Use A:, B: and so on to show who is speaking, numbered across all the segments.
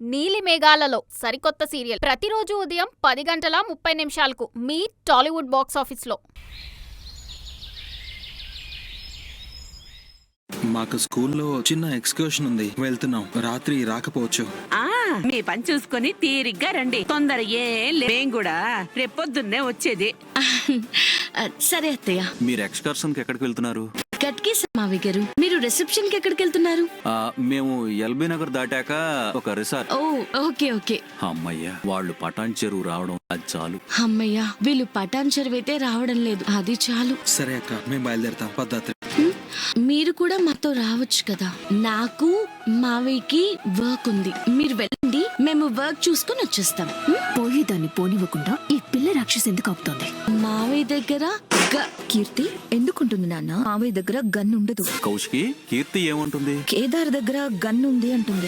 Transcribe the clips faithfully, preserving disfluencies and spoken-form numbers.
A: నీలి మేఘాలలో సరికొత్త సీరియల్ ప్రతిరోజు ఉదయం పది గంటల ముప్పై నిమిషాలకు మీ టాలీవుడ్ బాక్స్ ఆఫీస్లో.
B: మాకు స్కూల్లో చిన్న ఎక్స్కర్షన్ ఉంది, వెళ్తున్నాం. రాత్రి రాకపోవచ్చు.
C: ఆ మీ పని చూసుకొని తీరిగ్గా రండి. తొందర ఏం లే. మేం కూడా రేపొద్దున్నే వచ్చేది.
D: సరే అత్తయ్య.
E: మీరు ఎక్స్కర్షన్ కి ఎక్కడికి వెళ్తున్నారు?
D: గట్కి మావి గారు, మీరు రిసెప్షన్ కి ఎక్కడికి వెళ్తున్నారు?
E: మేము ఎల్బీ నగర్ దాటాక ఒక రిసార్ట్.
D: ఓ ఓకే ఓకే.
E: అమ్మయ్య, వాళ్ళు పటాన్ చెరువు రావడం అది చాలు.
D: అమ్మయ్య, వీళ్ళు పటాన్ చెరువు అయితే రావడం లేదు, అది చాలు.
B: సరే అక్క, మేము బయలుదేరతాం. పద్ధతి
D: మీరు కూడా మాతో రావచ్చు కదా. నాకు మావయ్యకి వర్క్ ఉంది, మీరు వెళ్ళండి, మేము వర్క్ చూసుకుని వచ్చేస్తాం.
F: పోయేదాన్ని పోనివ్వకుండా ఈ పిల్ల రాక్షసి ఎందుకు ఆపుతోంది?
D: మావయ్య దగ్గర
F: కీర్తి ఎందుకుంటుంది నాన్న? మావయ్య దగ్గర గన్ ఉండదు.
E: కౌశికి, కీర్తి ఏమంటుంది?
F: కేదార్ దగ్గర గన్ ఉంది అంటుంది.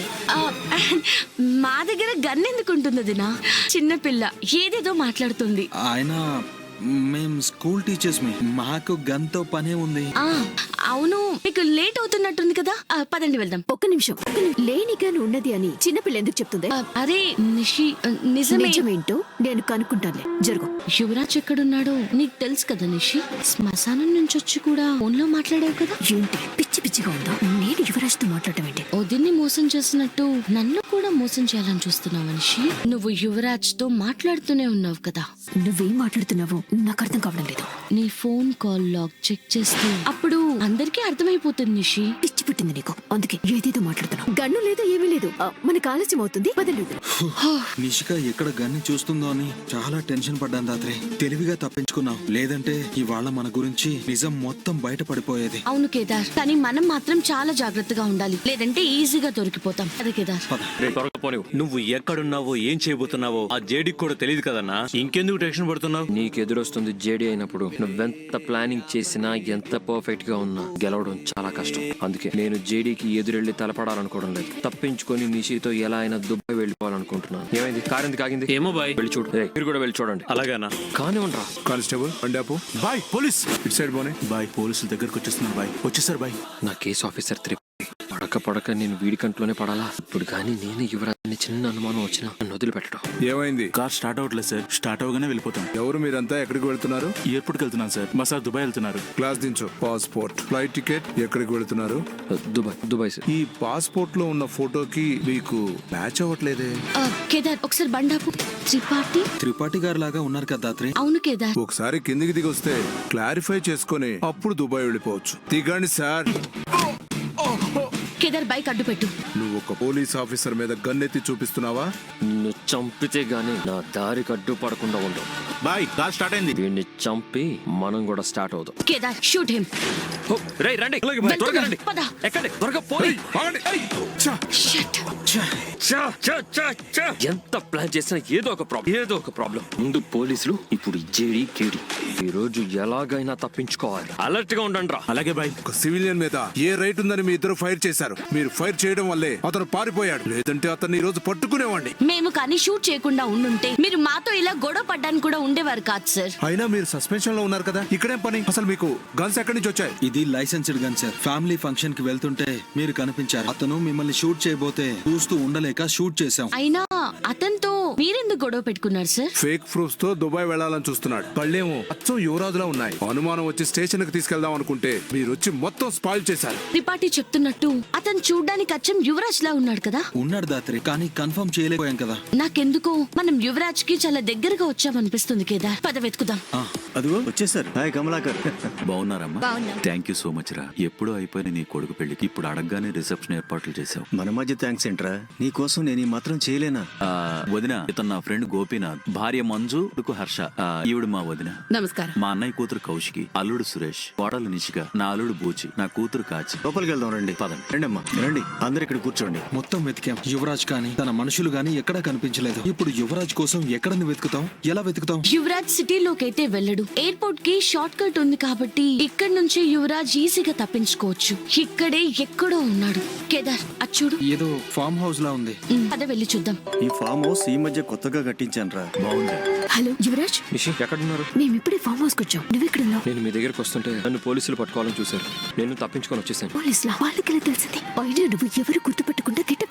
D: మా దగ్గర గన్ ఎందుకు ఉంటుంది వదినా? చిన్న పిల్ల ఏదేదో మాట్లాడుతుంది.
B: ఆయన మేం స్కూల్ టీచర్స్ మీ మాకు గన్తో పనే ఉంది.
D: ఆ అవును, మీకు లేట్ అవుతున్నట్టుంది కదా, పదండి వెళ్దాం.
F: ఒక్క నిమిషం, లేని గన్ ఉన్నది అని చిన్నపిల్ల ఎందుకు చెప్తుంది?
D: అరే నిషి, నిజమే.
F: నిజమేంటో నేను కనుక్కుంటానులే, జరుగు.
D: యువరాజ్ ఎక్కడున్నాడో నీకు తెలుసు కదా నిషి. శ్మశానం నుంచి వచ్చి కూడా ఫోన్ లో మాట్లాడావు కదా.
F: ఏంటి పిచ్చి పిచ్చిగా ఉందా? నేను యువరాజ్ తో మాట్లాడటం ఏంటి?
D: వదిన్ని మోసం చేసినట్టు నన్ను కూడా మోసం చేయాలని చూస్తున్నావు నిషి. నువ్వు యువరాజ్ తో మాట్లాడుతూనే ఉన్నావు కదా.
F: నువ్వేం మాట్లాడుతున్నావు నాకు అర్థం కావడం లేదు.
D: నీ ఫోన్ కాల్ లాగ్ చెక్ చేస్తూ అప్పుడు అందరికీ అర్థమైపోతుంది నిషి.
F: పిచ్చి పుట్టింది నీకు, అందుకే ఏదేదో మాట్లాడుతున్నావు. గన్ను లేదు, ఏమీ లేదు. మనకు ఆలస్యం అవుతుంది, బదలేదు.
B: నిషిక ఎక్కడ గన్ని చూస్తుందో అని చాలా టెన్షన్ పడ్డాను రాత్రి. తెలివిగా తప్పించుకున్నావు, లేదంటే ఇవాళ మన గురించి నిజం మొత్తం బయటపడిపోయేది.
D: అవును కేదార్, కానీ మనం మాత్రం చాలా జాగ్రత్తగా ఉండాలి, లేదంటే ఈజీగా దొరికిపోతాం. అదే కేదార్.
E: నువ్వు ఎక్కడున్నావో ఏం చేయబోతున్నావో ఆ జేడీకి కూడా తెలియదు కదన్నా. ఇంకెందుకు టెన్షన్ పడుతున్నావు?
G: నీకు ఎదురొస్తుంది జేడీ అయినప్పుడు. నువ్వెంత ప్లానింగ్ చేసినా, ఎంత పర్ఫెక్ట్ గా ఉన్నా గెలవడం చాలా కష్టం. అందుకే నేను జేడీకి ఎదురెళ్లి తలపడాలనుకోవడం లేదు. తప్పించుకొని నిషితో ఎలా అయినా దుబాయ్ వెళ్ళిపోవాలనుకుంటున్నాను. ఏమైంది? కార్ ఎందుకు ఆగింది?
E: ఏమో బాయ్,
G: వెళ్ళి చూడు. మీరు కూడా వెళ్ళి చూడండి.
E: అలాగేనా?
G: కానీ ఉండరా
H: కానిస్టేబుల్ అండాపు. బాయ్ పోలీస్ ఇటు సైడ్ పోనే. బాయ్ పోలీసుల దగ్గరకు వచ్చేస్తున్నారు. బాయ్ వచ్చేసారు. బాయ్
G: నా కేసు ఆఫీసర్ త్రిపాఠి. పడక పడక నేను వీడి కంట్లోనే పడాలా? ఇప్పుడు కానీ నేను యువరాజుని చిన్న అనుమానం వచ్చినా నన్ను వదిలిపెట్టడం.
H: ఏమైంది?
I: కార్ స్టార్ట్ అవట్లేదు సార్. స్టార్ట్ అవగానే వెళ్ళిపోతాం.
H: ఎవరు మీరంతా? ఎక్కడికి వెళ్తున్నారు?
I: ఎయిర్పోర్ట్కి వెళ్తున్నాను సార్. మా సార్ దుబాయ్ వెళ్తున్నారు.
H: క్లాస్ దించు. Passport, flight ticket. ఎక్కడికి వెళ్తున్నారు?
G: దుబాయ్. దుబాయ్ సార్.
H: ఈ పాస్పోర్ట్ లో ఉన్న ఫోటోకి మీకు మ్యాచ్ అవ్వట్లేదే.
D: కేదార్ ఒకసారి బండాపు. త్రిపాఠి
B: త్రిపాఠి గారు లాగా ఉన్నారు కదా రాత్రి.
D: అవును కేదార్.
H: ఒకసారి కిందికి దిగి వస్తే క్లారిఫై చేసుకుని అప్పుడు దుబాయ్ వెళ్ళిపోవచ్చు. దిగండి సార్.
D: కేదార్ బైక్ అడ్డు పెట్టు.
H: నువ్వు ఒక పోలీస్ ఆఫీసర్ మీద గన్నెత్తి చూపిస్తున్నావా?
G: నిన్ను చంపితే గానీ నా దారికి అడ్డు పడకుండా ఉండవు.
I: బాయ్ కార్ స్టార్ట్ అయింది.
G: వీడిని చంపి మనం కూడా స్టార్ట్ అవుదాం.
D: Kedar shoot him.
G: రేయ్ రండి, త్వరగా రండి.
D: పద.
G: ఎక్కండి, త్వరగా పోయి.
D: షట్.
G: ఎంత ప్లాన్ చేసినా ఏదో ఒక ప్రాబ్లం, ఏదో ఒక ప్రాబ్లం. ముందు పోలీసులు, ఇప్పుడు జేడీ కేడీ. ఈ రోజు ఎలాగైనా తప్పించుకోవాలి. అలర్ట్ గా ఉండండి రా.
I: అలాగే బాయ్.
H: ఒక సివిలియన్ మీద ఏ రైట్ ఉందని మీ ఇద్దరు ఫైర్ చేశారు. మీరు ఫైర్ చేయడం వల్లే అతను పారిపోయాడు, లేదంటే అతన్ని ఈ రోజు పట్టుకునేవాడిని.
D: మేము కానీ షూట్ చేయకుండా ఉండుంటే మీరు మాతో ఇలా గొడవ పడ్డానికి కూడా ఉండేవారు కాదు సార్.
H: అయినా మీరు సస్పెన్షన్ లో ఉన్నారు కదా, ఇక్కడేం పని? అసలు మీకు గన్స్ ఎక్కడి నుంచి వచ్చాయి?
B: ఇది licensed gun sir. Family function కి వెళ్తుంటే మీరు కనిపించారు. అతను మిమ్మల్ని షూట్ చేయబోతే చూస్తూ ఉండలేక షూట్ చేశాం.
D: అయినా అతనితో మీరెందుకు గొడవ పెట్టుకున్నారు సార్?
H: ఫేక్ ప్రూఫ్స్ తో దుబాయ్ వెళ్లాలని చూస్తున్నాడు. కళ్ళేమో అచ్చం యువరాజులా ఉన్నాయి. అనుమానం వచ్చి స్టేషన్ కి తీసుకెళ్దాం అనుకుంటే మీరు వచ్చి మొత్తం స్పాయిల్ చేశారు.
D: త్రిపాఠి చెప్తున్నట్టు అతను చూడ్డానికి అచ్చం యువరాజ్ లా ఉన్నాడు కదా.
B: ఉన్నాడు దాత్రి, కానీ కన్ఫర్మ్ చేయలేకపోయాం కదా.
D: నాకెందుకో మనం యువరాజ్ కి చాలా దగ్గరగా వచ్చామనిపిస్తుంది కేదార్. పద వెతుకుదాం.
I: అదిగో వచ్చేసారు. హాయ్ కమలాకర్.
E: బాగున్నారమ్మా? థ్యాంక్ యూ సో మచ్ రా. ఎప్పుడో అయిపోయిన నీ కొడుకు పెళ్లికి ఇప్పుడు అడగగానే రిసెప్షన్ ఏర్పాట్లు చేసావు.
I: మన మధ్య థ్యాంక్స్ ఏంట్రా? నీ కోసం నేను ఈ మాత్రం చేయలేనా?
E: వదిన, ఇతను నా ఫ్రెండ్ గోపీనాథ్, భార్య మంజు, కొడుకు హర్ష. ఈవిడ మా వదిన.
C: నమస్కారం.
E: మా అన్నయ్య కూతురు కౌశికి, అల్లుడు సురేష్, కోడలు నిషిక, నా అల్లుడు బూచి, నా కూతురు కాచి.
I: లోపలికి వెళ్దాం రండి.
E: పదండి.
I: రండి అమ్మా రండి, అందరు ఇక్కడ కూర్చోండి.
B: మొత్తం వెతికాం. యువరాజ్ కానీ తన మనుషులు గానీ ఎక్కడా కనిపించలేదు. ఇప్పుడు యువరాజ్ కోసం ఎక్కడ వెతుకుతాం? ఎలా వెతుకుతాం?
D: యువరాజ్ సిటీలోకి అయితే వెళ్ళడు. ఎయిర్పోర్ట్ కి షార్ట్ కట్ ఉంది కాబట్టి ఇక్కడ నుంచి యువరాజ్ ఈజీగా తప్పించుకోవచ్చు. ఇక్కడే ఎక్కడో ఉన్నాడు. కేదార్ అచ్చుడు,
B: ఏదో ఫామ్ హౌస్ లా ఉంది.
D: పద వెళ్ళి చూద్దాం.
I: ఈ ఫామ్ హౌస్ ఈ మధ్య కొత్తగా కట్టించాను రా, బాగుంది.
F: హలో యువరాజ్,
G: నిషి ఎక్కడున్నారు?
F: మేము ఇప్పుడే ఫామ్ హౌస్ కి వచ్చాం. నువ్వెక్కడున్నావు?
G: నేను మీ దగ్గరకు వస్తుంటే నన్ను పోలీసులు పట్టుకోవాలని చూశారు. నేను తప్పించుకొని వచ్చేసాను.
F: పోలీసులా? వాళ్ళకి తెలిసింది. అయినా నువ్వు ఎవరు గుర్తుపెట్టకుండా గిట్ట వేసుకుంటారు.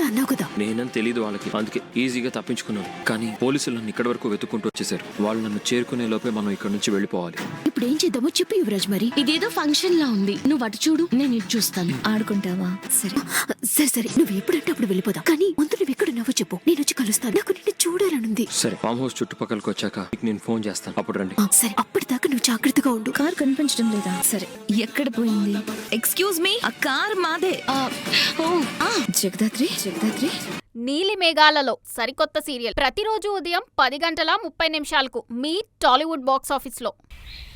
F: అన్నావు కదా.
G: నేనని తెలియదు వాళ్ళకి, అందుకే ఈజీగా తప్పించుకున్నాను. కానీ పోలీసులు నన్ను ఇక్కడి వరకు వెతుక్కుంటూ వచ్చేసారు. వాళ్ళు నన్ను చేరుకునే లోపే మనం ఇక్కడ నుంచి వెళ్ళిపోవాలి.
F: ఇప్పుడు ఏం చేద్దామో చెప్పు యువరాజ్. మరి
D: ఇదేదో ఫంక్షన్ లా ఉంది. నువ్వు అటు చూడు, నేను ఇటు చూస్తాను.
F: ఆడుకుంటావా? సరే సరే సరే నువ్వు ఎప్పుడంటే అప్పుడు వెళ్ళిపోదాం. కానీ ముందు నువ్వు ఎక్కడున్నావో చెప్పు, నేను వచ్చి కలుస్తాను. నాకు నిన్ను చూడాలనుంది.
G: సరే, ఫామ్ హౌస్ చుట్టుపక్కలకి వచ్చాక మీకు నేను ఫోన్ చేస్తాను, అప్పుడు రండి.
F: ఆ, సరే అప్పటిదాకా నువ్వు జాగ్రత్తగా ఉండు.
J: కార్ కనిపించడం లేదా? సరే ఎక్కడ పోయింది? ఎక్స్క్యూజ్ మీ, ఆ కార్ మాదే.
D: ఆ, ఓ, ఆ,
J: జగదాత్రి జగదాత్రి
A: నీలి మేఘాలలో సరికొత్త సీరియల్ ప్రతిరోజు ఉదయం పది గంటల ముప్పై నిమిషాలకు మీ టాలీవుడ్ బాక్స్ ఆఫీస్లో.